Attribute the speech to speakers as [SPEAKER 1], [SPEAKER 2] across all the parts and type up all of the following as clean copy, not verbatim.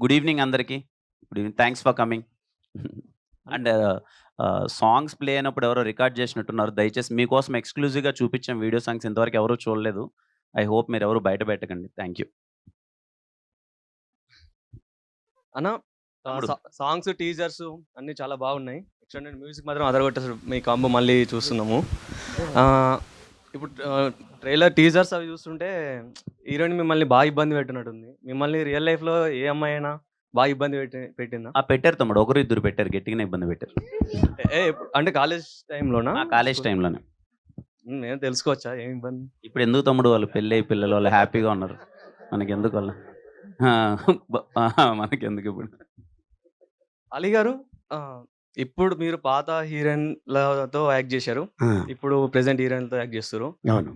[SPEAKER 1] Good evening అందరికీ. Good evening. Thanks for coming. And songs play అయినప్పుడు ఎవరో record చేసినట్టున్నారు. దయచేసి మీకోసం ఎక్స్‌క్లూజివ్‌గా చూపించాం వీడియో సాంగ్స్ ఇంతవరకు ఎవరు చూడలేదు. ఐ హోప్ మీరెవరు బయట పెట్టకండి. Thank you.
[SPEAKER 2] అన్న
[SPEAKER 1] తమ్ముడు.
[SPEAKER 2] సాంగ్స్, టీజర్స్ అన్నీ చాలా బాగున్నాయి. ఎక్స్టెండెడ్ మ్యూజిక్ మాత్రం అదరగొట్టేసారు. మీ కాంబో మళ్ళీ చూస్తున్నాము. ఇప్పుడు ట్రైలర్, టీజర్స్ అవి చూస్తుంటే హీరోయిన్ మిమ్మల్ని బాగా ఇబ్బంది పెట్టినట్టుంది. మిమ్మల్ని రియల్ లైఫ్‌లో ఏ అమ్మాయి అయినా బాగా ఇబ్బంది పెట్టిందా?
[SPEAKER 1] పెట్టారు తమ్ముడు. ఒకరు ఇద్దరు పెట్టారు. గట్టిగానే ఇబ్బంది పెట్టారు.
[SPEAKER 2] అంటే కాలేజ్ టైంలోనా?
[SPEAKER 1] కాలేజ్ టైమ్‌లోనే.
[SPEAKER 2] నేను తెలుసుకోవచ్చా ఏం ఇబ్బంది?
[SPEAKER 1] ఇప్పుడు ఎందుకు తమ్ముడు వాళ్ళు పెళ్ళయి పిల్లలు వాళ్ళు హ్యాపీగా ఉన్నారు. మనకెందుకు వాళ్ళు? మనకెందుకు ఇప్పుడు?
[SPEAKER 2] అలీ గారు, ఇప్పుడు మీరు పాత హీరోయిన్‌లతో యాక్ట్ చేశారు.
[SPEAKER 3] ఆ!
[SPEAKER 2] ఇప్పుడు ప్రెజెంట్ హీరోయిన్‌లతో యాక్ట్ చేస్తుర్రు.
[SPEAKER 3] అవును.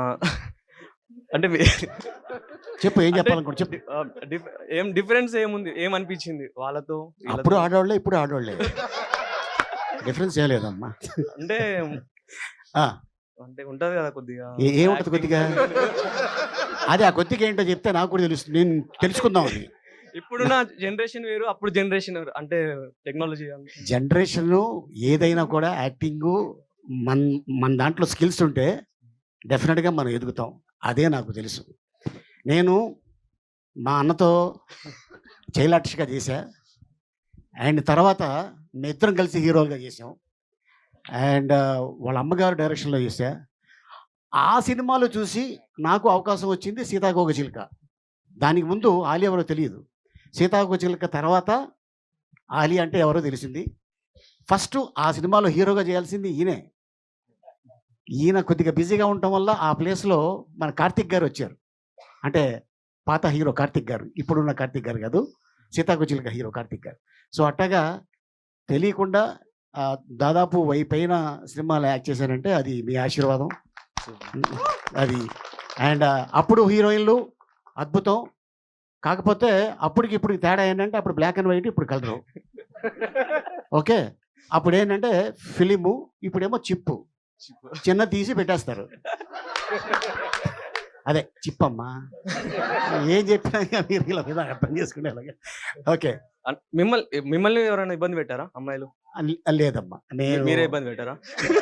[SPEAKER 2] అంటే
[SPEAKER 3] చెప్పు ఏం
[SPEAKER 2] అంటే
[SPEAKER 3] చెప్పాలనుకుంటు చెప్పు.
[SPEAKER 2] ఏం డిఫరెన్స్ ఏముంది? ఏమనిపించింది వాళ్ళతో
[SPEAKER 3] అప్పుడు
[SPEAKER 2] వీళ్ళతో?
[SPEAKER 3] ఆడోళ్ళే, ఇప్పుడు ఆడోళ్ళే. డిఫరెన్స్ ఏం లేదమ్మా.
[SPEAKER 2] అంటే
[SPEAKER 3] ఆ!
[SPEAKER 2] అంటే ఉంటది కదా కొద్దిగా
[SPEAKER 3] ఏముంటది కొద్దిగా? అదే ఆ కొద్దిగా ఏంటో చెప్తే నాకు కూడా తెలుస్తుంది. నేను తెలుసుకుందామని.
[SPEAKER 2] ఇప్పుడున్న జనరేషన్ వేరు, అప్పుడు జనరేషన్ వేరు. అంటే టెక్నాలజీ
[SPEAKER 3] జనరేషను ఏదైనా కూడా యాక్టింగు మన్ మన దాంట్లో స్కిల్స్ ఉంటే డెఫినెట్‌గా మనం ఎదుగుతాం. అదే నాకు తెలుసు. నేను మా అన్నతో చైలాక్షిగా చేశా. అండ్ తర్వాత మేమిద్దరం కలిసి హీరోలుగా చేసాం. అండ్ వాళ్ళ అమ్మగారు డైరెక్షన్‌లో చేశా. ఆ సినిమాలో చూసి నాకు అవకాశం వచ్చింది 'సీతాకోకచిలుక'. దానికి ముందు ఆలి ఎవరో తెలీదు. 'సీతాకోకచిలుక' తర్వాత ఆలి అంటే ఎవరో తెలిసింది. ఫస్ట్ ఆ సినిమాలో హీరోగా చేయాల్సింది ఈయనే. ఈయన కొద్దిగా బిజీగా ఉండటం వల్ల ఆ ప్లేస్‌లో మన కార్తీక్ గారు వచ్చారు. అంటే పాత హీరో కార్తీక్ గారు. ఇప్పుడున్న కార్తీక్ గారు కాదు. 'సీతాకోకచిలుక' హీరో కార్తీక్ గారు. సో అట్టగా తెలియకుండా దాదాపు 1000 పైన సినిమాలో యాక్ట్ చేశానంటే అది మీ ఆశీర్వాదం. అది అండ్ అప్పుడు హీరోయిన్లు అద్భుతం. కాకపోతే అప్పటికి ఇప్పటికి తేడా ఏంటంటే అప్పుడు బ్లాక్ అండ్ వైట్, ఇప్పుడు కలరు. ఓకే. అప్పుడు ఏంటంటే ఫిలిము, ఇప్పుడేమో చిప్పు. చిన్న తీసి పెట్టేస్తారు. అదే చిప్పమ్మా. ఏం చెప్పినా మీరు ఇలా మీద అర్థం చేసుకునేలాగా. ఓకే.
[SPEAKER 2] మిమ్మల్ని ఎవరైనా ఇబ్బంది పెట్టారా అమ్మాయిలు?
[SPEAKER 3] లేదమ్మా.
[SPEAKER 2] మీరే ఇబ్బంది పెట్టారా?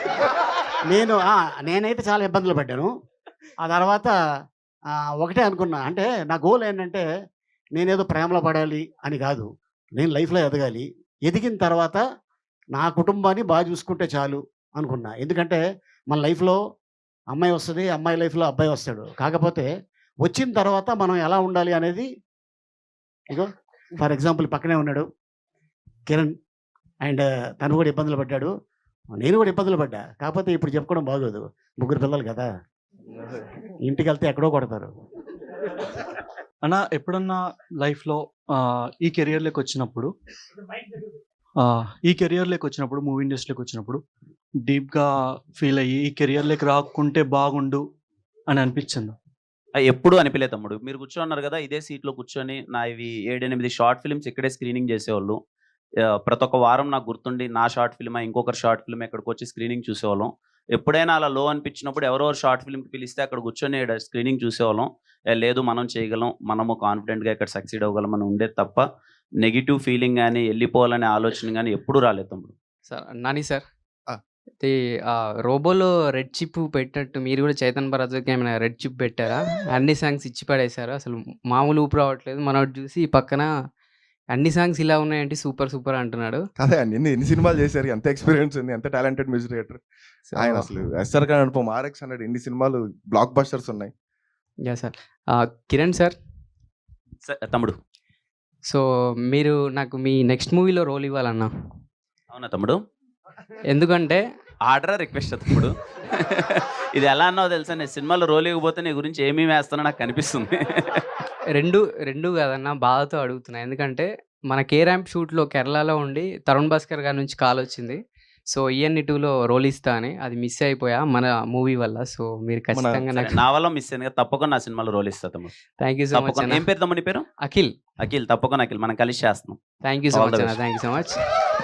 [SPEAKER 3] నేనైతే చాలా ఇబ్బందులు పడ్డాను. ఆ తర్వాత ఒకటే అనుకున్నా. అంటే నా గోల్ ఏంటంటే నేనేదో ప్రేమలో పడాలి అని కాదు. నేను లైఫ్‌లో ఎదగాలి. ఎదిగిన తర్వాత నా కుటుంబాన్ని బాగా చూసుకుంటే చాలు అనుకున్నా. ఎందుకంటే మన లైఫ్‌లో అమ్మాయి వస్తది. అమ్మాయి లైఫ్‌లో అబ్బాయి వస్తాడు. కాకపోతే వచ్చిన తర్వాత మనం ఎలా ఉండాలి అనేది ఇగో ఫర్ ఎగ్జాంపుల్ పక్కనే ఉన్నాడు కిరణ్. అండ్ తను కూడా ఇబ్బందులు పడ్డాడు. నేను కూడా ఇబ్బందులు పడ్డా. కాకపోతే ఇప్పుడు చెప్పుకోవడం బాగోదు. ముగ్గురు పిల్లలు కదా! ఇంటికెళ్తే ఎక్కడో కొడతారు.
[SPEAKER 4] అన్న ఎప్పుడన్నా లైఫ్‌లో ఈ కెరియర్‌లోకి వచ్చినప్పుడు మూవీ ఇండస్ట్రీలోకి వచ్చినప్పుడు డీప్‌గా ఫీల్ అయ్యి ఈ కెరియర్‌లోకి రాకుంటే బాగుండు అని అనిపించిందా?
[SPEAKER 1] ఎప్పుడు అనిపియలేదు తమ్ముడు. మీరు కూర్చోన్నారు కదా! ఇదే సీట్‌లో కూర్చొని ఇవి 7, 8 షార్ట్ ఫిల్మ్స్ ఇక్కడే స్క్రీనింగ్ చేసేవాళ్ళు. ప్రతి ఒక్క వారం నాకు గుర్తుండి నా షార్ట్ ఫిల్మా, ఇంకొకరి షార్ట్ ఫిల్మ్ ఇక్కడికొచ్చి స్క్రీనింగ్ చూసేవాళ్ళం. ఎప్పుడైనా అలా లో అనిపించినప్పుడు ఎవరో షార్ట్ ఫిల్మ్‌కి పిలిస్తే అక్కడ కూర్చొని స్క్రీనింగ్ చూసేవాళ్ళం. లేదు మనం చేయగలం, మనము కాన్ఫిడెంట్‌గా ఇక్కడ సక్సీడ్ అవ్వగలం అని ఉండేది తప్ప నెగెటివ్ ఫీలింగ్ గాని, ఎళ్ళిపోవాలనే ఆలోచన గాని ఎప్పుడు రాలేదు తమ్ముడు.
[SPEAKER 5] సార్ నాని సార్,
[SPEAKER 3] ఆ!
[SPEAKER 5] ఇది రోబోలో రెడ్ చిప్ పెట్టినట్టు మీరు కూడా చైతన్ భరత్‌కి ఏమైనా రెడ్ చిప్ పెట్టారా? అన్ని సాంగ్స్ ఇచ్చి పడేశారు. అసలు మామూలు ఊపు రావట్లేదు. మనోడు చూసి పక్కన అన్ని సాంగ్స్ ఇలా ఉన్నాయేంటి సూపర్ సూపర్ అంటున్నాడు.
[SPEAKER 6] అదే అండి. ఎన్ని సినిమాలు చేశారు, ఎంత ఎక్స్పీరియన్స్ ఉంది, ఎంత టాలెంటెడ్ మ్యూజిక్ డైరెక్టర్ ఆయన. అసలు SR Khan Anupama, RX hundred ఎన్ని సినిమాలు బ్లాక్ బస్టర్స్ ఉన్నాయి.
[SPEAKER 5] యాహ్! సార్. కిరణ్ సార్,
[SPEAKER 1] తమ్ముడు.
[SPEAKER 5] సో మీరు నాకు మీ నెక్స్ట్ మూవీలో రోల్ ఇవ్వాలన్నా.
[SPEAKER 1] అవునా తమ్ముడు?
[SPEAKER 5] ఎందుకంటే
[SPEAKER 1] ఆర్డరా? రిక్వెస్టా తమ్ముడు? ఇది ఎలా అన్నావో తెలుసా? నేను సినిమాలో రోల్ ఇవ్వకపోతే నీ గురించి ఏమేమి వేస్తానో నాకు కనిపిస్తుంది.
[SPEAKER 5] రెండు కాదన్నా, బాధతో అడుగుతున్నా. ఎందుకంటే మన 'కే ర్యాంప్' షూట్‌లో కేరళలో ఉండి తరుణ్ భాస్కర్ గారి నుంచి కాల్ వచ్చింది. సో ఈఎన్ఈ 2లో రోల్ ఇస్తా అని. అది మిస్ అయిపోయా మన మూవీ వల్ల. సో మీరు ఖచ్చితంగా
[SPEAKER 1] సరే, నా వల్ల మిస్ అయింది కదా, తప్పకుండా నా సినిమాలో రోల్ ఇస్తా తమ్ముడు.
[SPEAKER 5] థ్యాంక్ యూ సో మచ్
[SPEAKER 1] తప్పకుండా.
[SPEAKER 5] అన్న.
[SPEAKER 1] ఏం పేరు తమ్ముడు నీ పేరు?
[SPEAKER 5] అఖిల్.
[SPEAKER 1] అఖిల్. తప్పకుండా అఖిల్. మనం కలిసి చేస్తున్నాం.
[SPEAKER 5] Thank you so
[SPEAKER 1] All the
[SPEAKER 5] much అన్న.
[SPEAKER 1] best.
[SPEAKER 5] Thank you so much.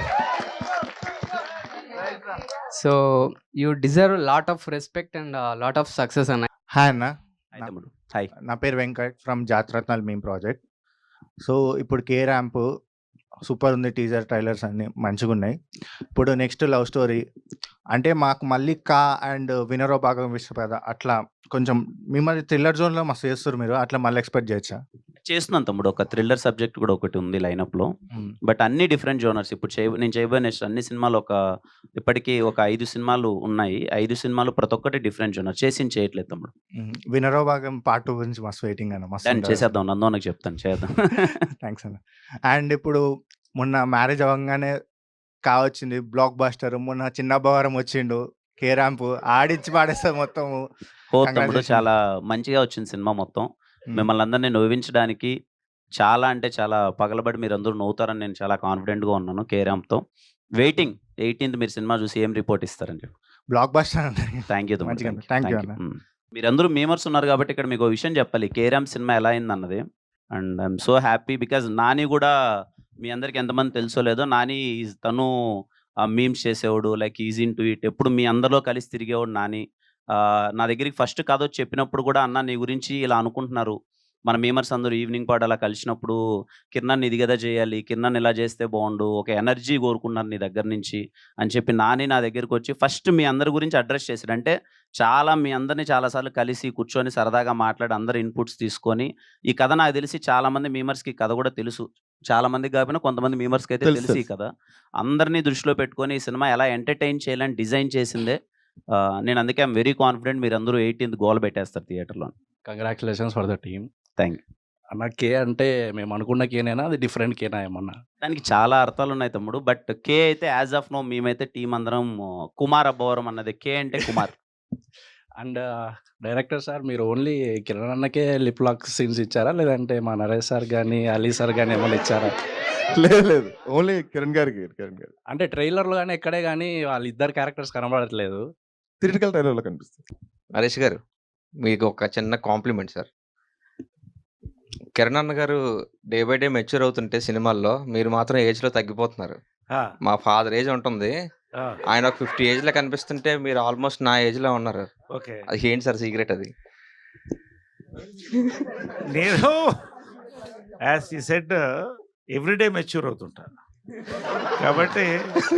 [SPEAKER 5] So you deserve lot of respect and lot of success అన్న.
[SPEAKER 7] హాయ్ అన్న.
[SPEAKER 1] హాయ్ తమ్ముడు. హాయ్.
[SPEAKER 7] నా పేరు Venkat from Jathiratnalu meme project. So ఇప్పుడు కే ర్యాంప్ సూపర్ ఉంది, teaser trailers అన్ని మంచిగా ఉన్నాయి. ఇప్పుడు నెక్స్ట్ లవ్ స్టోరీ అంటే మాకు మళ్ళీ కా అండ్ వినరో భాగం విశ్వపేద అట్లా కొంచెం మిమ్మల్ని థ్రిల్లర్ జోన్లో మస్తు చేస్తారు మీరు, అట్లా మళ్ళీ ఎక్స్పెక్ట్ చేయొచ్చా?
[SPEAKER 1] చేస్తున్నాను తమ్ముడు. ఒక థ్రిల్లర్ సబ్జెక్ట్ కూడా ఒకటి ఉంది లైనప్‌లో. బట్ అన్ని డిఫరెంట్ జోనర్స్. ఇప్పుడు నేను చేయబోయే నెక్స్ట్ అన్ని సినిమాలు ఇప్పటికి ఒక 5 సినిమాలు ఉన్నాయి. 5 సినిమాలు ప్రతి ఒక్కటి డిఫరెంట్ జోనర్. చేయట్లేదు తమ్ముడు.
[SPEAKER 7] వినరో భాగం పార్ట్ 2 గురించి మస్తు వెయిటింగ్ అన్న, మస్తు
[SPEAKER 1] దాన్ని చేసేద్దాం. నందోనకి చెప్తాను చేద్దాం.
[SPEAKER 7] థ్యాంక్స్ అన్న. అండ్ ఇప్పుడు మొన్న మ్యారేజ్ అవ్వగానే కావచ్చింది బ్లాక్ బాస్టర్, మొన్న చిన్న భవరం వచ్చిండు, కే ర్యాంప్ ఆడిచ్చి పాడేస్తారు మొత్తం.
[SPEAKER 1] తమ్ముడు
[SPEAKER 7] Congratulations.
[SPEAKER 1] చాలా మంచిగా వచ్చింది సినిమా మొత్తం. మిమ్మల్ని అందరినీ నవ్వించడానికి చాలా అంటే చాలా పగలబడి మీరందరూ నవ్వుతారని నేను చాలా కాన్ఫిడెంట్‌గా ఉన్నాను కే ర్యాంప్‌తో. వెయిటింగ్ 18th మీరు సినిమా చూసి ఏం రిపోర్ట్ ఇస్తారని చెప్పి.
[SPEAKER 7] బ్లాక్ బాస్టర్
[SPEAKER 1] థ్యాంక్ యూ తమ్ముడు.
[SPEAKER 7] మంచిగా
[SPEAKER 1] thank you.
[SPEAKER 7] Thank you
[SPEAKER 1] thank you.
[SPEAKER 7] అన్న.
[SPEAKER 1] మీరందరూ మీమర్స్ ఉన్నారు కాబట్టి ఇక్కడ మీకు విషయం చెప్పాలి. కే ర్యాంప్ సినిమా ఎలా అయిందన్నది. And I'm so happy because Nani కూడా మీ అందరికి ఎంతమంది తెలుసో లేదో, నాని తను మీమ్స్ చేసేవాడు, like is into it. ఎప్పుడు మీ అందరిలో కలిసి తిరిగేవాడు నాని. నా దగ్గరికి ఫస్ట్ కథ వచ్చి చెప్పినప్పుడు కూడా అన్న నీ గురించి ఇలా అనుకుంటున్నారు, మన మీమర్స్ అందరూ ఈవినింగ్ పాటు అలా కలిసినప్పుడు కిరణ్ ఇది కదా చేయాలి, కిరణ్ ఇలా చేస్తే బాగుండు, ఒక ఎనర్జీ కోరుకున్నారు నీ దగ్గర నుంచి అని చెప్పి నాని నా దగ్గరికి వచ్చి ఫస్ట్ మీ అందరి గురించి అడ్రస్ చేశాడు. అంటే చాలా మీ అందరినీ చాలాసార్లు కలిసి కూర్చొని సరదాగా మాట్లాడి అందరు ఇన్పుట్స్ తీసుకొని ఈ కథ నాకు తెలిసి చాలామంది మీమర్స్కి కథ కూడా తెలుసు, చాలా మందికి కాకపోయినా కొంతమంది మీమర్స్కి అయితే
[SPEAKER 6] తెలుసు,
[SPEAKER 1] తెలుసు ఈ కథ. అందరినీ దృష్టిలో పెట్టుకొని ఈ సినిమా ఎలా ఎంటర్టైన్ చేయాలని డిజైన్ చేసిందే. నేను అందుకే ఐఎమ్ వెరీ కాన్ఫిడెంట్ మీరందరూ 18th గోల్ పెట్టేస్తారు థియేటర్లో.
[SPEAKER 8] Congratulations for the team.
[SPEAKER 1] Thank you.
[SPEAKER 8] అన్న కే అంటే మేము అనుకున్న కేనేనా, అది డిఫరెంట్ కేనా ఏమన్నా?
[SPEAKER 1] దానికి చాలా అర్థాలు ఉన్నాయి తమ్ముడు. బట్ కే అయితే యాజ్ ఆఫ్ నో మేమైతే టీం అందరం కుమార్ అబ్బవరం అన్నది. కే అంటే కుమార్.
[SPEAKER 8] అండ్ డైరెక్టర్ సార్ మీరు ఓన్లీ కిరణ్ అన్నకే లిప్ లాక్ సీన్స్ ఇచ్చారా, లేదంటే మా నరేష్ సార్ కానీ అలీ సార్ కానీ ఏమైనా ఇచ్చారా?
[SPEAKER 6] లేదు ఓన్లీ కిరణ్ గారు.
[SPEAKER 8] అంటే ట్రైలర్లో కానీ ఎక్కడే కానీ వాళ్ళిద్దరు క్యారెక్టర్స్ కనబడట్లేదు.
[SPEAKER 6] థియేటికల్ ట్రైలర్లో కనిపిస్తుంది.
[SPEAKER 9] నరేష్ గారు మీకు ఒక చిన్న కాంప్లిమెంట్ సార్. కిరణ్ అన్న గారు డే బై డే మెచ్యూర్ అవుతుంటే సినిమాల్లో మీరు మాత్రం ఏజ్లో తగ్గిపోతున్నారు. మా ఫాదర్ ఏజ్ ఉంటుంది, ఆయన ఒక 50 ఏజ్లో కనిపిస్తుంటే మీరు ఆల్మోస్ట్ నా ఏజ్లో ఉన్నారు.
[SPEAKER 10] ఓకే,
[SPEAKER 9] అది ఏంటి సార్ సీక్రెట్ అది?
[SPEAKER 10] నేను యాజ్ ఈ సెడ్ ఎవ్రీడే మెచ్యూర్ అవుతుంటాను కాబట్టి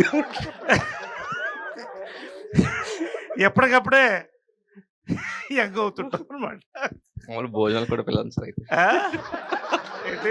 [SPEAKER 10] ఎప్పటికప్పుడే యంగ్ అవుతుంటాం అనమాట.
[SPEAKER 9] మామూలు భోజనాలు కూడా పిల్లలు సార్ అయితే.
[SPEAKER 10] ఏంటి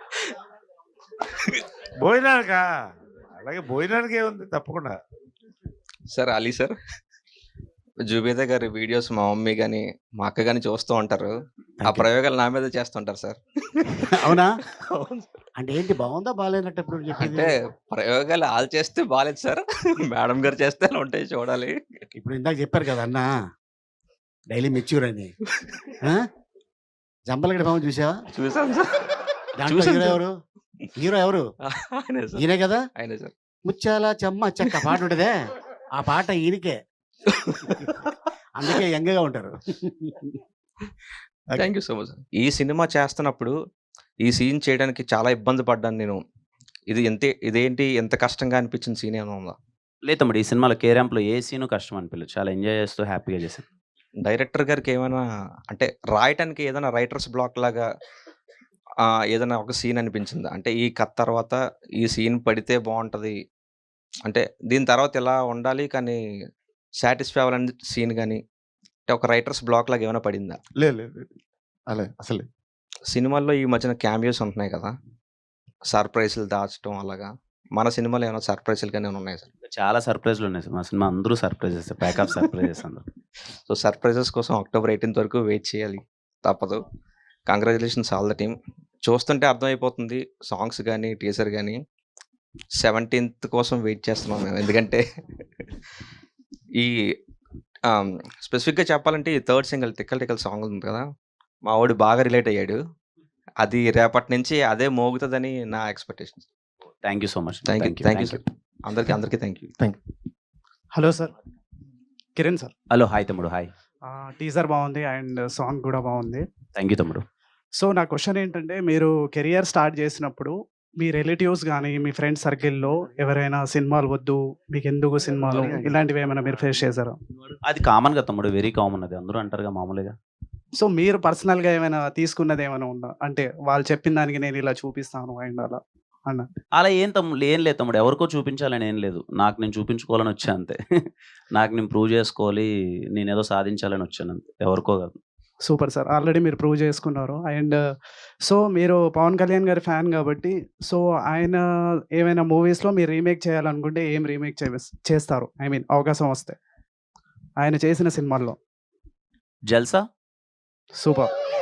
[SPEAKER 10] భోజనానికా? అలాగే భోజనానికి ఏముంది తప్పకుండా.
[SPEAKER 9] సార్ అలీ సార్, జుబేదా గారి వీడియోస్ మా మమ్మీ కానీ మా అక్క కానీ చూస్తూ ఉంటారు. ఆ ప్రయోగాలు నా మీద చేస్తుంటారు సార్.
[SPEAKER 3] అవునా? అంటే ఏంటి, బాగుందా బాగాలేనట్టు ఇప్పుడు
[SPEAKER 9] అంటే ప్రయోగాలు వాళ్ళు చేస్తే బాగాలేదు సార్, మేడం గారు చేస్తే అలా ఉంటాయి చూడాలి.
[SPEAKER 3] ఇప్పుడు ఇందాక చెప్పారు కదా అన్న డైలీ మెచ్యూర్ అని. జంపలగడ్డ బాబు చూసావా?
[SPEAKER 9] చూసాను సార్.
[SPEAKER 3] దాంట్లో హీరో ఎవరు? హీరో ఎవరు?
[SPEAKER 9] ఆయనే సార్.
[SPEAKER 3] ఈయనే కదా.
[SPEAKER 9] ఆయనే సార్.
[SPEAKER 3] ముచ్చాల చెమ్మ చెక్క పాట ఉంటదే, ఆ పాట ఈయనకే. అందుకే యంగ్గా ఉంటారు.
[SPEAKER 9] Thank you so much. ఈ సినిమా చేస్తున్నప్పుడు ఈ సీన్ చేయడానికి చాలా ఇబ్బంది పడ్డాను నేను. ఇదేంటి ఎంత కష్టంగా అనిపించిన సీన్ ఏమైనా ఉందా?
[SPEAKER 1] లేదు తమ్ముడు, ఈ సినిమాలో కే ర్యాంప్లో ఏ సీను కష్టం అనిపించలేదు. చాలా ఎంజాయ్ చేస్తూ హ్యాపీగా చేశాను.
[SPEAKER 9] డైరెక్టర్ గారికి ఏమైనా అంటే రాయటానికి ఏదైనా రైటర్స్ బ్లాక్ లాగా ఏదైనా ఒక సీన్ అనిపించిందా? అంటే ఈ కథ తర్వాత ఈ సీన్ పడితే బాగుంటుంది, అంటే దీని తర్వాత ఇలా ఉండాలి కానీ సాటిస్ఫై అవ్వాలని సీన్ కానీ అంటే ఒక రైటర్స్ బ్లాక్ లాగా ఏమైనా పడిందా?
[SPEAKER 6] లేదు అలా అసలు
[SPEAKER 9] సినిమాల్లో ఈ మధ్యన క్యామియోస్ ఉంటున్నాయి కదా, సర్ప్రైజ్లు దాచడం అలాగా. మన సినిమాలో ఏమైనా సర్ప్రైజ్లు కానీ ఏమైనా ఉన్నాయి సార్?
[SPEAKER 1] చాలా సర్ప్రైజ్లు ఉన్నాయి సార్ మా సినిమా. అందరూ సర్ప్రైజెస్, ప్యాక్ ఆఫ్ సర్ప్రైజెస్ అందరూ.
[SPEAKER 9] సో సర్ప్రైజెస్ కోసం October 18th వరకు వెయిట్ చేయాలి, తప్పదు. Congratulations all the team. చూస్తుంటే అర్థమైపోతుంది సాంగ్స్ కానీ టీజర్ కానీ. 17th కోసం వెయిట్ చేస్తున్నాం మేము, ఎందుకంటే ఈ స్పెసిఫిక్గా చెప్పాలంటే ఈ 3rd సింగిల్ టిక్కల్ సాంగ్ ఉంది కదా, మా వాడు బాగా రిలేట్ అయ్యాడు. అది రేపటి నుంచి అదే మోగుతుందని నా expectation.
[SPEAKER 1] Thank you so much.
[SPEAKER 9] Thank you sir. అందరికీ thank you.
[SPEAKER 11] Hello sir, Kiran sir.
[SPEAKER 1] Hello, hi తమ్ముడు. హాయ్.
[SPEAKER 11] టీజర్ బాగుంది అండ్ సాంగ్ కూడా బాగుంది.
[SPEAKER 1] థ్యాంక్ యూ తమ్ముడు.
[SPEAKER 11] సో నా క్వశ్చన్ ఏంటంటే, మీరు కెరియర్ స్టార్ట్ చేసినప్పుడు మీ రిలేటివ్స్ కానీ మీ ఫ్రెండ్స్ సర్కిల్లో ఎవరైనా సినిమాలు వద్దు, మీకు ఎందుకు సినిమాలు, ఇలాంటివి ఏమైనా మీరు ఫేస్ చేశారా?
[SPEAKER 1] అది కామన్ గా తమ్ముడు, వెరీ కామన్. అది అందరూ అంటారుగా మామూలుగా.
[SPEAKER 11] సో మీరు పర్సనల్‌గా ఏమైనా తీసుకున్నది ఏమైనా ఉందా? అంటే వాళ్ళు చెప్పిన దానికి నేను ఇలా చూపిస్తాను అండ్ అలా అన్న.
[SPEAKER 1] అలా ఏం లేదు తమ్ముడు. ఎవరికో చూపించాలని ఏం లేదు. నాకు నేను చూపించుకోవాలని వచ్చా అంతే. నాకు నేను ప్రూవ్ చేసుకోవాలి. నేనేదో సాధించాలని వచ్చాను అంతే. ఎవరికో కాదు.
[SPEAKER 11] Super sir. ఆల్రెడీ మీరు ప్రూవ్ చేసుకున్నారు. అండ్ సో మీరు పవన్ కళ్యాణ్ గారి ఫ్యాన్ కాబట్టి సో ఆయన ఏమైనా మూవీస్‌లో మీరు రీమేక్ చేయాలనుకుంటే ఏం రీమేక్ చేస్తారు? ఐ మీన్ అవకాశం వస్తే. ఆయన చేసిన సినిమాల్లో.
[SPEAKER 1] 'జల్సా'.
[SPEAKER 11] సూపర్.